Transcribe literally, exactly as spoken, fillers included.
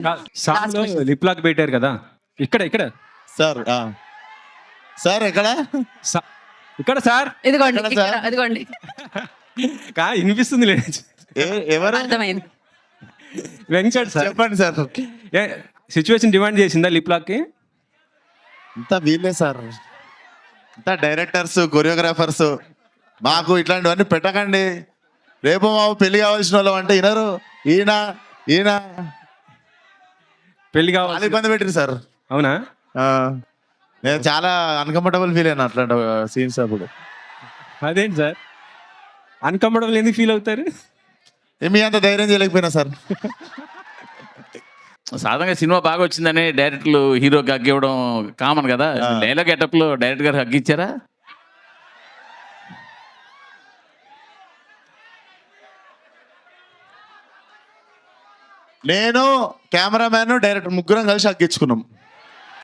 సాంగ్లో lip lock పెట్టారు కదా, ఇక్కడ ఇక్కడ సార్ సార్ ఎక్కడ సా- ఇక్కడ సార్ ఇదిగోండి ఎక్కడ ఇక్కడ, సార్? అదిగోండి కా వినిపిస్తుంది లేదు ఏ- ఎవరు అర్థమైంది. వెంకట్ సార్ చెప్పండి సార్. ఏ సిచ్యువేషన్ డిమాండ్ చేసిందా లిప్ లాక్కి? అంతా వీళ్ళే సార్, అంతా డైరెక్టర్స్ కొరియోగ్రాఫర్స్. మాకు ఇట్లాంటివన్నీ పెట్టకండి. రేపు మా పెళ్లి కావాల్సిన వాళ్ళం అంటే వినరు. ఈయన ఈయన పెళ్లి చాలా కావాలి. ఇబ్బంది పెట్టిరు సార్. అవునా? ఆ, నేను చాలా అన్కంఫర్టబుల్ ఫీల్ అయినా అట్లాంటి సీన్స్ అప్పుడు. అదేంటి సార్ అన్కంఫర్టబుల్ ఎందుకు ఫీల్ అవుతారు? మీ అంత ధైర్యం చేయలేకపోయినా సార్. సాధారణంగా సినిమా బాగా వచ్చిందని డైరెక్టర్లు హీరోకి హగ్ ఇవ్వడం కామన్ కదా. డైలాగ్ గెటప్ లో డైరెక్టర్ గారు హగ్ ఇచ్చారా? నేను కెమెరామ్యాన్ డైరెక్టర్ ముగ్గురం కలిసి అగ్గించుకున్నాం.